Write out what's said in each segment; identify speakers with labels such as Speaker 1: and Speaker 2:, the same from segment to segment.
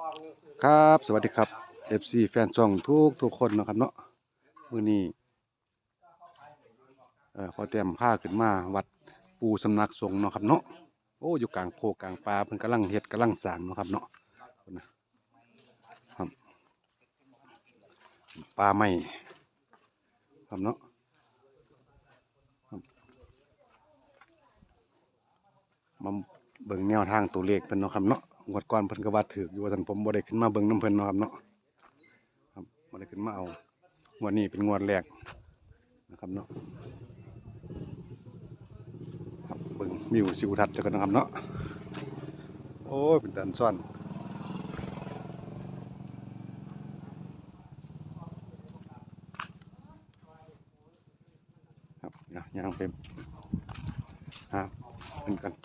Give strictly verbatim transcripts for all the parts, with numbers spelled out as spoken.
Speaker 1: ครับสวัสดีครับ เอฟ ซี แฟนช่องทุกทุกคนนะครับเนาะมื้อนี้เอ่อพอเตรียมผ้าขึ้นมาวัดปูสำนักสงฆ์เนาะครับเนาะโอ้อยู่กลางโคกลางป่าเพิ่นกำลังเฮ็ดกำลังสร้างเนาะครับเนาะครับป่าไม้ครับเนาะครับมาเบิ่งแนวทางตัวเลขเพิ่นเนาะครับเนาะงวดก่อนเพิ่นก็ว่าถูกอยู่ว่าซั่นผมบ่ได้ขึ้นมาเบิ่งนำเพิ่นเนาะครับเนาะครับบ่ได้ขึ้นมาเอางวดนี้เป็นงวดแรกนะครับเนาะครับเบิ่งวิวทิวทัศน์จักกันนะครับเนาะโอ้ยเป็นตาซ่อนครับย่างไปหาเพิ่นกัน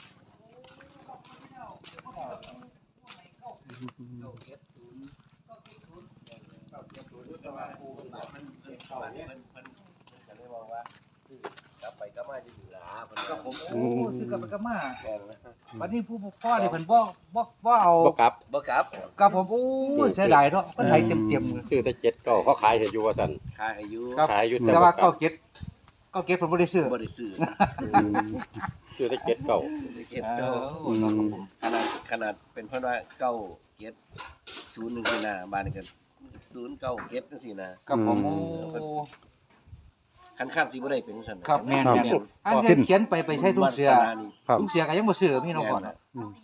Speaker 2: ก็ผม
Speaker 1: โอ้
Speaker 2: โอ้ซื้อกลับไปกลับมาวันนี้ผู้พ่อนี่เพิ่นบ่บ่บ่เอา
Speaker 3: บ่กลับ
Speaker 4: บ่ครับ
Speaker 2: กับผมโอ้ยเสียดายเนาะเพิ่นให้เต็มๆเลย
Speaker 3: ซื้อแต่เจ็ดเก้าเขาขายให้อยู่ว่าซั่น
Speaker 4: ขายอายุ
Speaker 2: ครับ
Speaker 3: ขายอยู่
Speaker 2: แต่ว่า
Speaker 3: บ่ก
Speaker 2: เก้า
Speaker 3: ลับ
Speaker 2: เก็ดเก้าเก็ดเพิ่นบ่ได้ซื้อ
Speaker 4: บ่ได้ซื้อ
Speaker 3: ซื้อแต่เจ็ดเก้า
Speaker 4: เก็บ
Speaker 2: เอ
Speaker 4: เก้า
Speaker 2: อเนาะครับผม
Speaker 4: ขนาดขนาดเป็นเพราะว่าเก้าเก็ดศูนย์หนึ่งสี่หน้าบ้านนี่ก็ศูนย์เก้าเก็ดจังซี่นะ
Speaker 2: กับผมโอ้
Speaker 4: คันคันสิบ่ได้เป็นจังซั่น
Speaker 2: ครับแม่น
Speaker 1: ครับ
Speaker 2: แม่นอันนี้เขียนไปไปใช้ทุ่งเสือ
Speaker 4: วาสนานี่
Speaker 1: ครับ
Speaker 2: ทุ่งเสือก็ยังบ่ซื้อพี่น้องพ่อน่ะ
Speaker 1: อืม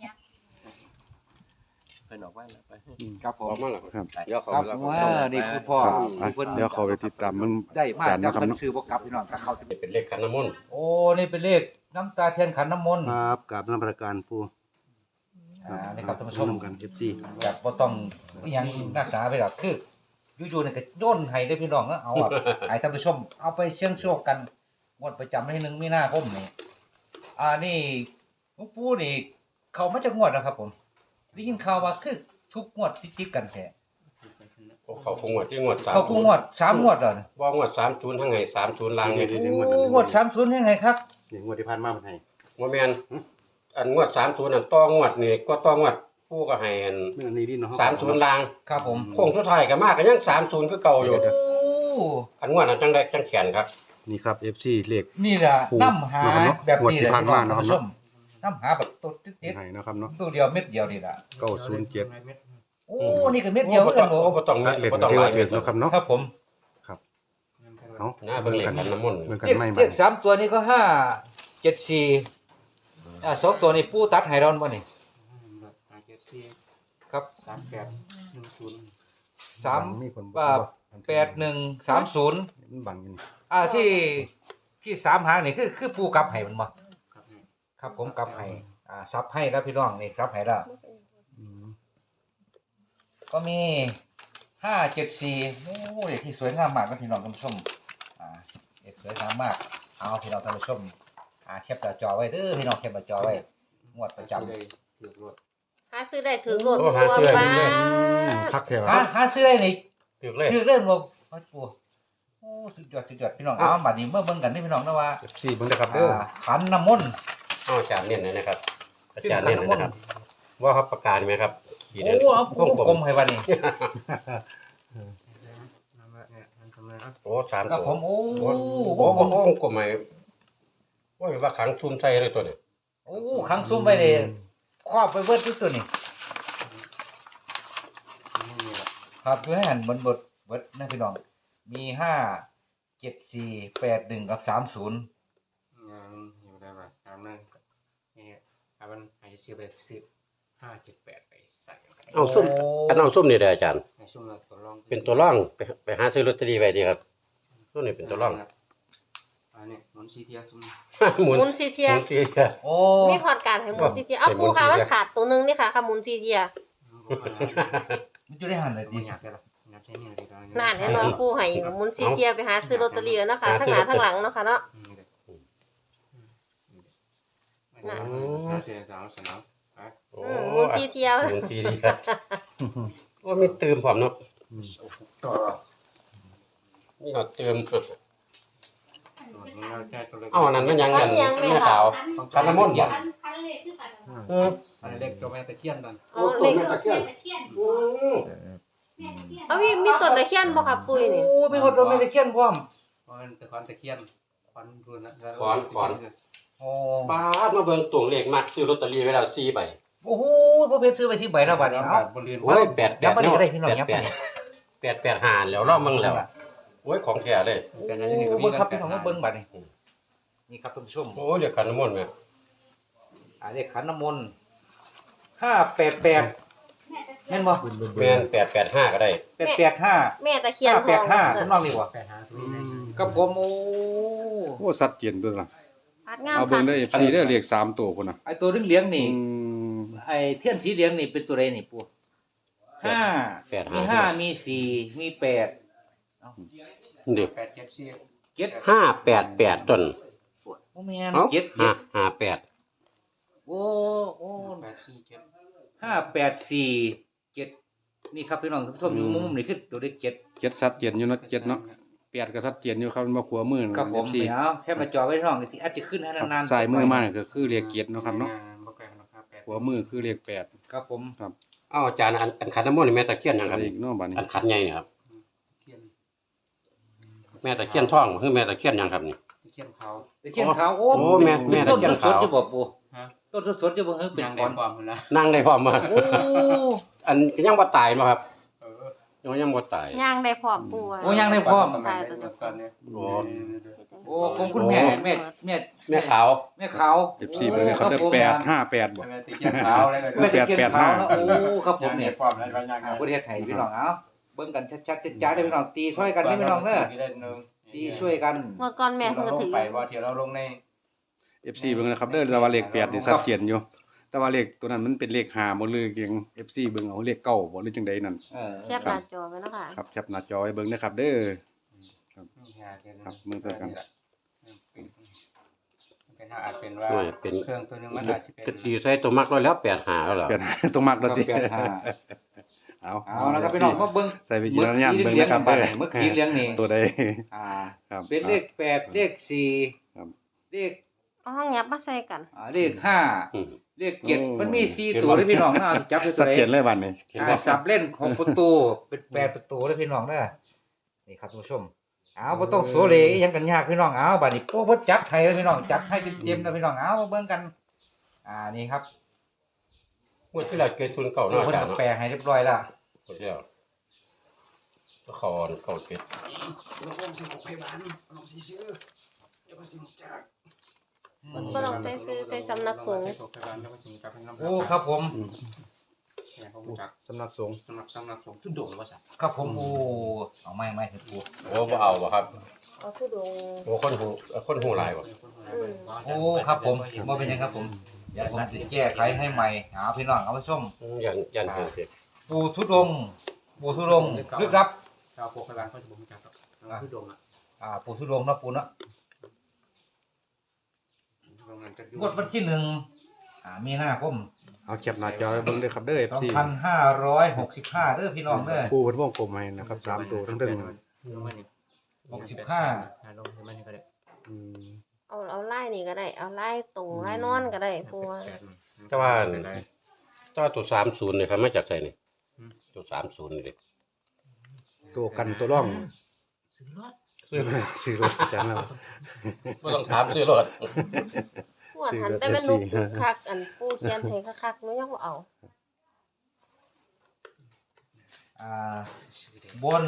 Speaker 4: เพิ่นออกมาแล้วไป
Speaker 2: ครับผ
Speaker 3: อ
Speaker 2: ม
Speaker 3: อกมาแล้ว
Speaker 1: ครับ
Speaker 3: เดี๋ยวเขา
Speaker 2: ครับ
Speaker 3: แล้ว
Speaker 2: ว่านี่คือพ่อ
Speaker 1: ครับ
Speaker 2: ที่เพิ่น
Speaker 1: เดี๋ยวเขาไปติดตามมัน
Speaker 2: ได้มา
Speaker 1: กัน
Speaker 2: จาก
Speaker 1: นะครับ
Speaker 2: เพิ่น
Speaker 1: เนาะ
Speaker 2: ซื้อบ่กลับพี่น้องก็เข้า
Speaker 3: เป็นเลขขันน้ำมนต์
Speaker 2: โอ้นี่เป็นเลขน้ำตาเทียนขันน้ำมนต์
Speaker 1: ครับกับนมัสการปู
Speaker 2: อ่านี่ครับท่านผู้ชม
Speaker 1: นำกัน เอฟ ซี
Speaker 2: แบบบ่ต้องอิหยังนักหนาไปหรอกคืออยู่ๆนี่ก็โยนให้ได้อพี่น้องเอ้อเอาอะ ให้ท่านผู้ชมเอาไปเสี่ยงโชคกันงวดประจำวันที่หนึ่งมีนาคมนี่อ่านี่หลวงปู่นี่เข้ามาจากงวดนะครับผมได้ยินข่าวว่าคือทุกงวดติดๆกันแท้
Speaker 3: โอ้เขาคงงวดที่งวดสาม
Speaker 2: เข้าทุกงวดสามงวดแล้วนะ
Speaker 3: บ่งวดสามศูนย์ทั้งไงสามศูนย์ลางเนี่ย
Speaker 1: เดี๋ยวๆ
Speaker 2: โอ้งวดสามศูนย์ยังไงครับ
Speaker 1: นี่งวดที่ผ่านมาเพิ่นให้
Speaker 3: บ่แม่นอันงวดสามศูนย์อันต่องวดนี่ก็ต่องวดผู้ก็ให้อัน
Speaker 1: แม่นอันนี้ดิเนาะ
Speaker 3: สามศูนย์ลาง
Speaker 2: ครับผม
Speaker 3: โค้งสุดท้ายก็มาก็ยังสามศูนย์คือเก่าอยู่
Speaker 2: โอ้
Speaker 3: อันงวดนั้นจังได้จังแขนครับ
Speaker 1: นี่ครับ เอฟ ซี เลข
Speaker 2: นี่ล่ะ
Speaker 1: ปู่
Speaker 2: น้ำหา
Speaker 1: เนาะ
Speaker 2: แบบนี้แหละ
Speaker 1: งวดที่ผ่านมาเนาะครับ
Speaker 2: ท่านผู้ชมน้ำหาแบบตัวติด
Speaker 1: ให้นะครับเนาะ
Speaker 2: ๆตัวเดียวเม็ดเดียวนี่ล่ะ
Speaker 1: เก้าศูนย์เจ็ด
Speaker 2: โอ้นี่ก็เม็ดเดียวเหมือนกัน
Speaker 3: โอ้
Speaker 2: บ่
Speaker 3: บ่ต้อง
Speaker 1: นักเล่น
Speaker 3: บ่ต้อง
Speaker 1: เรียก
Speaker 3: หลา
Speaker 1: ว่าย เรียนเนาะครับเนาะ
Speaker 2: ครับผม
Speaker 1: ครับเอา
Speaker 3: หน้าเบิ่งเลขขันน้ำมนต์
Speaker 1: เหมือนกัน
Speaker 2: เลข
Speaker 1: ไม่
Speaker 2: เล
Speaker 1: มา
Speaker 2: ขสามตัวนี้ก็ห้าเจ็ดสี่อ่าสองตัวนี้ปูตัดให้เราบ่นี่
Speaker 5: ห้าเจ็ดสี่
Speaker 2: ครับ
Speaker 5: สามแปดหนึ่งศูนย์
Speaker 2: สาม
Speaker 1: มีคน
Speaker 2: อ่าแปดหนึ่งสามศูนย์
Speaker 1: มันบังอยู่นี่
Speaker 2: อ่าที่ที่สามหางนี่คือคือปูกลับให้มันบ่
Speaker 5: ครับนี่
Speaker 2: ครับผมกลับให้อ่าซับให้แล้วพี่น้องนี่ซับให้แล้ว
Speaker 1: อืม
Speaker 2: ก็มีห้าเจ็ดสี่โอ้เด็กที่สวยงามมากนะพี่น้องท่านผู้ชมอ่าเด็กสวยงามมากเอาพี่น้องท่านผู้ชมอ่าแคปหน้าจอไว้เด้อพี่น้องแคปหน้าจอไว้งวดประจำ
Speaker 5: เลยถือรถ
Speaker 6: หาซื้อได้ถึงรถ
Speaker 3: โอ้
Speaker 6: ตั
Speaker 3: หาว ซื้อได้
Speaker 6: บ้า
Speaker 3: ถึงรถ
Speaker 1: พักแถว
Speaker 2: หาหาซื้อได้นี่
Speaker 3: ถูกเลย
Speaker 2: ถือเล่นบ่โอ้ยปูโอ้สุดยอดสุดยอดพี่น้องเอาบัดนี้เมื่อเบิ่งกันนี่พี่น้องนะว่า
Speaker 1: เอฟ ซี เบิ่งเด้อครับเด้อ
Speaker 2: อ่าขันน้ำมนต์
Speaker 3: เอาอาจารย์เน้นหน่อยนะครับ อาจารย์เน้นหน่อยนะครับ ว่าครับประกาศไหมครับขีด
Speaker 2: โอ้
Speaker 3: อันนี้
Speaker 2: เอา
Speaker 3: วง
Speaker 2: กลมๆให้บัดนี้
Speaker 5: น้ำเนี่ยมันทำอะไรครับ
Speaker 3: โอ้สาม
Speaker 2: ครับ
Speaker 3: ตัว
Speaker 2: ผมโอ้
Speaker 3: โอ้โหโอ้โหกลมไหมว่าว่าขังซุ่มใส่เลยตัวนี้
Speaker 2: โอ้ขังซุ่มไว้เลยครอบไปเบิดทุกตัวนี่
Speaker 5: ไม่มีหรอก
Speaker 2: ครับอยู่ให้หันบนเบิดเบิดนะพี่น้องมีห้าเจ็ดสี่แปดหนึ่งกับสามศูนย์
Speaker 5: งานอยู่ได้ป่ะตามนั้นนี่อาบันหายสิบไปสิบห้าเจ็ดแปดไปใส่กัน
Speaker 3: เอาซุ่มอันเอาซุ่มนี่ได้อาจารย์
Speaker 5: ในช่วงเราตัวรอง
Speaker 3: เป็นตัวร่องไปไปหาซื้อลอตเตอรี่ไว้ดีครับตัวนี้เป็นตัวร่อง
Speaker 5: อันนี้หมุนซีเทียซุ่ม
Speaker 3: หมุน
Speaker 6: หมุนซีเทีย
Speaker 3: หมุนซีเทีย
Speaker 2: โอ้
Speaker 6: มีพอดการให้หมุนซีเทียเอา
Speaker 3: ให้หมุ
Speaker 6: ปู
Speaker 3: น
Speaker 6: ค่ะ
Speaker 3: ซีเทีย
Speaker 6: มันขาดตัวหนึงนี่ค่ะค่ะหมุนซีเทีย
Speaker 2: มันอยู่ได้หันเลย
Speaker 5: ดี
Speaker 2: ดี
Speaker 5: อยากได้หรออยากใช้นี่ดีตอนนี้
Speaker 6: นั่นให้น้องปูให้หมุนซีเทียไปหาซื้อลอตเตอรี่เนาะค่ะทั้งหน้าทั้งหลังเนาะค่ะเนาะ
Speaker 5: นี่เลยน่าเสียสาวสนามไป
Speaker 3: โอ้
Speaker 6: อืมหมุนซีเทีย
Speaker 3: หมุนซีเทียโอ้มีเติมพร้อมเนาะ
Speaker 5: ต่อ
Speaker 3: นี่ก็เติม
Speaker 5: ม
Speaker 3: เอ้าอันนั้นมันยังกันแม่ขาวคันน้ำมนต์บ่
Speaker 7: คันคันเล็กคือกัน
Speaker 3: เออ
Speaker 5: อันเล็กตัวแม่ตะเคียนนั่น
Speaker 6: เอาเลข
Speaker 7: แม่ตะเคียนแม่ตะเคียน
Speaker 3: อืม
Speaker 7: แม่ตะเคียน
Speaker 6: เอามีมีต้นตะเคียนบ่ครับปุ้ยนี่
Speaker 2: โอ้มีคนโดนไม่ได้เขียนพร้อม
Speaker 5: เพราะมันตะคอนตะเคียนคอนรุนนะ
Speaker 2: โอ้
Speaker 3: ปาดมาเบิ่งตวงเลขมักซื้อลอตเตอรี่ไว้แล้วสี่ใบ
Speaker 2: โอ้โหบ่เพชรซื้อไปที่ใบละบาทนี่เอ้า
Speaker 5: บริเวณ
Speaker 3: โอ้ยแปดแป
Speaker 2: ยั
Speaker 3: ด
Speaker 2: บมานี่
Speaker 3: เนาะ
Speaker 2: ก็ได้พี่น้อง
Speaker 3: แปด
Speaker 2: ยับ
Speaker 3: แป
Speaker 2: มา
Speaker 3: ด
Speaker 2: นี่
Speaker 3: แปดแปดหาแล้วรอบมึงแล้วโอ้ยของแท้เลย
Speaker 2: โอ้เบิ่งครับพี่น้องมาเบิ่งบัดนี่นี่ครับท่านผู้ชม
Speaker 3: โอ้ยเดี๋ยวคันน้ำมนต์แม่
Speaker 2: อ่าเลขขันน้ำมนต์ห้าแปดแปด
Speaker 7: แม่ตะเคีย
Speaker 2: แม่
Speaker 7: น
Speaker 2: นบ่
Speaker 3: แม่นแปดแปดห้าก็ได้
Speaker 2: แปดแปดห้า
Speaker 6: แม่ตะเคียน
Speaker 2: ห้า
Speaker 6: ท
Speaker 2: แป
Speaker 6: อ
Speaker 2: ด
Speaker 6: ง
Speaker 2: ห้า
Speaker 6: เสือ
Speaker 2: ทำนองนี้บ่
Speaker 5: แปดหาตัวนี้
Speaker 2: กับผมโอ้
Speaker 1: โอ้สัดเจนตัวล่ะ
Speaker 6: พัดงาม
Speaker 1: เอาเบิ่
Speaker 6: ค่ะ
Speaker 1: งได้ เอฟ ซี เด้อเลขสามตัวพุ่นน่ะ
Speaker 2: ไอตัวเหลืองๆนี่
Speaker 1: อืม
Speaker 2: ไอเทียนสีเหลืองนี่เป็นตัวใดนี่ปู่ห้า
Speaker 3: แปด
Speaker 2: มี
Speaker 3: ห้า
Speaker 2: ห้ามีสี่มีแปด
Speaker 3: เดี๋ยว
Speaker 5: แปดเจ็ดสี่
Speaker 2: เจ็ด
Speaker 3: ห้าแปดแปดต้น
Speaker 2: โอ้แม่น
Speaker 3: เอ้า
Speaker 2: เจ็ด
Speaker 3: ห้า
Speaker 2: เจ็ด
Speaker 3: ห้าแปด
Speaker 2: โอ้โอ้
Speaker 5: แปดสี่เจ็ด
Speaker 2: ห้าแปดสี่เจ็ดนี่ครับพี่น้องท่านผู้ชมอยู่มุมนี่คือตัวเลขเจ็ด
Speaker 1: เจ็ดสัดเจนอยู่เนาะเจ็ดเนาะแปดก็สัดเจนอยู่ครับมันบ่ขัวมือ
Speaker 2: ครับผม
Speaker 1: เอฟซี
Speaker 2: เดี๋ยวแค่มาจอไว้น้องที่อาจจะขึ้นให้นานๆ
Speaker 1: สายมือมาเนี่ยก็คือเลขเจ็ดเนาะครับเนาะ
Speaker 5: บ่ไกลกันครับแปด
Speaker 1: ขัวมือคือเลขแปด
Speaker 2: ครับผม
Speaker 3: เอ้าอาจารย์อันอันขันน้ำมนต์นี่แม่ตะเคียนยังครับ
Speaker 1: เลขเนาะบัดนี้
Speaker 3: อันขันใหญ่นี่ครับ
Speaker 5: เคียน
Speaker 3: แม่ตะเคียนท่องคือแม่ตะเคียนยังครับนี่
Speaker 5: ตะเคียนเขา
Speaker 2: ตะเคียนขาวโอ้
Speaker 3: โอ้แม่แม่
Speaker 2: ต้น
Speaker 3: ตะเคียน
Speaker 2: ส
Speaker 3: ขาว
Speaker 2: ดๆจะบอกปู่
Speaker 5: ฮะ
Speaker 2: ต้นสดๆจะบอกเฮ้ยเป็น
Speaker 5: ยัง
Speaker 2: ข
Speaker 5: ได้
Speaker 2: อน
Speaker 5: ความมันละ
Speaker 3: นั่งได้พร้อมมา
Speaker 2: โอ้
Speaker 3: อันยังบ่ตายบ่ครับ
Speaker 5: เออ
Speaker 3: ยังยังบ่ตาย
Speaker 6: ย่างได้พร้อมปูอะ
Speaker 2: โอ้ยังได้พร้อม
Speaker 5: ตายตัวก่อนเนี่ย
Speaker 3: โอ้
Speaker 2: โอ้ของคุณแม่แม่แม่
Speaker 3: แม่ขาว
Speaker 2: แม่ขาว
Speaker 1: เอฟซีเบิ่งเลยครับได้แปดห้าแปดบ่
Speaker 5: แม่ตะเคียนขาวเลย
Speaker 2: แม่ตะเคียนขาวเนาะโอ้ครับผม
Speaker 5: เนี่
Speaker 2: เนี่ย ย
Speaker 5: ความอะไรบางอย่าง
Speaker 2: อ่าประเทศไทยพี่น้องเอาเบิ่งกันชัดๆจ้าๆได้พี่น้องตีช่วยกันได้พี่น้องเด้อตีช่วยกัน
Speaker 6: งวดก่อนแม่เพิ่นก็ถือ
Speaker 5: ไปว่าเที่ยวเราลงใน
Speaker 1: เอฟซีเบิ่งนะครับเด้อแต่ว่าเลขแปดนี่สัดเจนอยู่ แต่ว่าเลขตัวนั้นมันเป็นเลขห้าบ่หรือยัง เอฟ ซี เบิ่งเอาเลขเก้าบ่หรือจังใดนั่น
Speaker 2: เออ
Speaker 6: แคปหน้าจอไว้เนาะค่ะ
Speaker 1: ครับแคปหน้าจอไว้เบิ่งนะครับเด้อ
Speaker 5: ครับ
Speaker 1: มึงเจอกัน
Speaker 5: เป็นอาจเป็นว่า
Speaker 3: โอ้ยเป็น
Speaker 5: เครื่องตัวนึงมันอาจจะเป็น
Speaker 3: ก็ดีใส่ตัวมักร้อยแล้วแปดหาแล้วเหรอ
Speaker 1: แปด ต้องมักแล้วติ
Speaker 2: แปดห้า
Speaker 1: เอา
Speaker 2: เอานะครับพี่น้องมาเบิ่ง
Speaker 1: ใส่วิจารณญาณเบิ่งนะครับ
Speaker 2: เมื่
Speaker 1: เด้
Speaker 2: อ
Speaker 1: อ
Speaker 2: เมื่อกี้เลี้ยงนี่
Speaker 1: ตัวใด
Speaker 2: อ่า
Speaker 1: ครับ
Speaker 2: เป็นเลขแปดเลขสี่
Speaker 1: ครับ
Speaker 2: เลข
Speaker 6: เอาห้องยับมาใส่กัน
Speaker 2: อ่าเลขห้า
Speaker 3: อืม
Speaker 2: เลขเจ็ด
Speaker 1: โอ้
Speaker 2: มันมีสี่ตัวเลยพี่น้องนะเอาจับไปตั
Speaker 1: สั
Speaker 2: ว
Speaker 1: ด
Speaker 2: ไหน
Speaker 1: เจนเลยบัดนี้
Speaker 3: เห็น
Speaker 2: อ่า
Speaker 3: บ่
Speaker 2: สับเล่นของประตูเป็นแปดประตูเลยพี่น้องเด้อนี่ครับท่านผู้ชมเอาบ่ต้องโซเลอีหยังกันยากพี่น้องเอาบัดนี้โป้เพิ่นจัดให้เลยพี่น้องจัดให้เต็มๆแล้วพี่น้องเอามาเบิ่งกัน อ่านี่ครับ
Speaker 3: งวดที่แล้วเกิดศูนย์เก่า
Speaker 2: โอ้
Speaker 3: เนาะอา
Speaker 2: เพิ่น
Speaker 3: จารย์
Speaker 2: ก็
Speaker 3: เนาะ
Speaker 2: แปลให้เรียบร้อยแล้ว
Speaker 3: งวดที่แล้วละครเก่าเกิด
Speaker 6: ก็ต้องใส่ซื้อใส่สำนักสงฆ์
Speaker 2: โอ้ครับผม
Speaker 1: อืมสำนักสงฆ์
Speaker 5: สำหรับสำหรับสงฆ์ทุดงว่าสั
Speaker 2: ครับผมโอ้เอาไม่ไม่เห็นปู
Speaker 3: โอ้บ่เอาบ่ครับ
Speaker 6: เอาผู้ดง
Speaker 3: โอ้คนหูคนหูหลายบ่
Speaker 2: โอ้ครับผมบ่เป็นหยังครับผมเดี๋ยวผมสิแก้ไขให้ใหม่เอาพี่น้องเอาไปชม
Speaker 3: อืมยันยันเกิดเกิด
Speaker 2: ปูทุดงค์ปูทุดงค์ลึกลับ
Speaker 5: ชาวโคกร้านเขาจะบอกมีการต่อทุดงอ่ะ
Speaker 2: อ่าปูทุดงค์เนาะปูเนาะ
Speaker 5: โรงงานจะอยู่
Speaker 2: งวดวันที่หนึ่งอ่ามีนาคม
Speaker 1: เอาแคปหน้าจอไว้เบิ่งเด้อครับเด้อ เอฟ
Speaker 2: สอง
Speaker 1: ซี
Speaker 2: พันห้าร้อยหกสิบห้าเด้อพี่น้องเด้อ
Speaker 1: ผู้เพิ่นวงกลมให้นะครับสามตัวทั้งเรื่อง
Speaker 2: หกสิบห้า
Speaker 5: ลงมันก็ได้
Speaker 1: อืม
Speaker 6: เอาเอาไล่นี่ก็ได้ เอาไล่ตรงไล่นอนก็ได้ปูว่า
Speaker 3: แต่ว่าแต่ว่าตัวสามศูนย์นี่ครับมาจากไสนี่ตัวสามศูนย์นี่เด้
Speaker 1: ตัวกันตัวร่อง
Speaker 5: ซื้อรถ
Speaker 1: ซื้อซื้อรถจังแล้ว
Speaker 3: บ่ต้องถามซื้อรถ
Speaker 6: งวดหันแต่แม่นุกคักอันปูเขียนให้คักๆหนูยังบ่เอา
Speaker 2: อ่าบน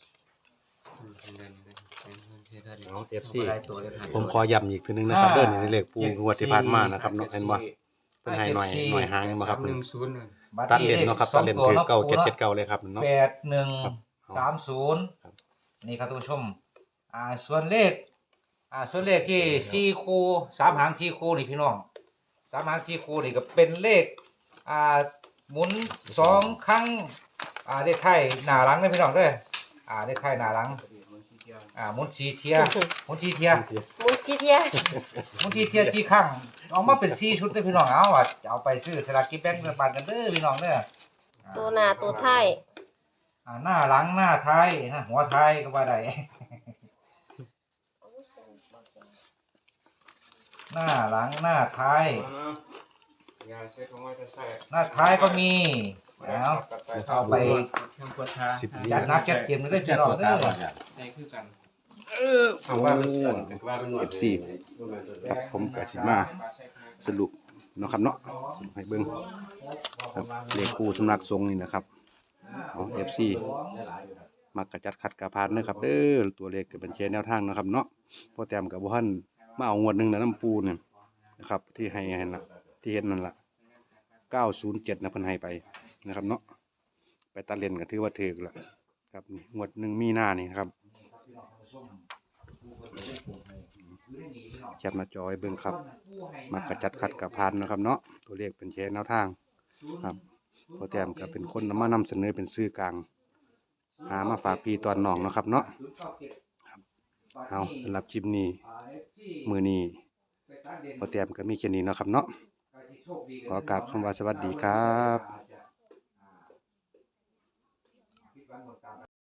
Speaker 1: เอา เอฟ ซี ผมขอย้ำอีกทีนึงนะครับเด้อในเลขปูงวดที่ผ่านมานะครับเนาะเห็นบ่เพิ่นให้หน่อยหน่อยหางบ่ครับ
Speaker 5: หนึ่งศูนย์
Speaker 1: ตัดเลนเนาะครับตัดเลนคือเก้าเจ็ดเจ็ดเก้าเลยครับเนาะ
Speaker 2: แปดหนึ่ง
Speaker 1: ครับ
Speaker 2: สามศูนย์
Speaker 1: ครับ
Speaker 2: นี่ครับท่านผู้ชม อ่าส่วนเลข อ่าส่วนเลขที่สี่คู่สามหางสี่คู่นี่พี่น้องสามหางสี่คู่นี่ก็เป็นเลข อ่าหมุนสองครั้ง อ่าเลขไข่หน้าหลังเลยพี่น้องเด้ออ่าเลขไข่หน้าหลัง อ่าหมุนสีเทียหมุนสีเทีย
Speaker 6: มุนชิเทีย
Speaker 2: หมุนสีเทียสี่ครั้งเอามาเป็นสี่ชุดเลยพี่น้องเอาอ่ะเอาไปซื้อสลากกินแบ่งรัฐบาลกันเด้อพี่น้องเด้ออ่า
Speaker 6: ตัวหน้าตัวท้าย
Speaker 2: อ่าหน้าหลังหน้าท้ายนะหัวท้ายก็ว่าได้หน้าหลังหน้าท้าย
Speaker 5: ยาใช้ของว่าจะใส่
Speaker 2: หน้าท้ายก็มีแล้วเอาไป
Speaker 5: เครื่องปวดขา
Speaker 1: สิบเหรีย
Speaker 2: จั
Speaker 1: ญ
Speaker 2: ดนักจัดเต็มเลยพี่น้องเด้อ
Speaker 5: ได้คือกัน
Speaker 3: เอาว่ามันว่ามันหนวด
Speaker 1: เอฟซีครับผมก็สิมาสรุปเนาะครับเนาะสรุปให้เบิ่งครับเลขปูสำนักสงฆ์นี่นะครับเอา เอฟ ซี มักกระจัดขัดกระพานเด้อครับเด้อตัวเลขก็เป็นแค่แนวทางเนาะครับเนาะพอแต้มกับบ่ทันมาเอางวดหนึงนะน้ำปูเนี่ยนะครับที่ให้ให้น่ะที่เห็นนั่นล่ะเก้าศูนย์เจ็ดนะเพิ่นให้ไปนะครับเนาะไปตัดเลนก็ถือว่าถูกแล้วครับนี่งวดหนึ่งมีนานี่นะครับแคปหน้าจอไว้เบิ่งครับมักกระจัดขัดกระพานนะครับเนาะตัวเลขเป็นแค่แนวทางครับพอแต้มก็เป็นคนนำมานำเสนอเป็นสื่อกลางหามาฝากพี่ตอนน้องเนาะครับเนาะครับเอาสำหรับคลิปนี้มื้อนี้พอแต้มก็มีแค่นี้เนาะครับเนาะขอกราบคำว่าสวัสดีครับ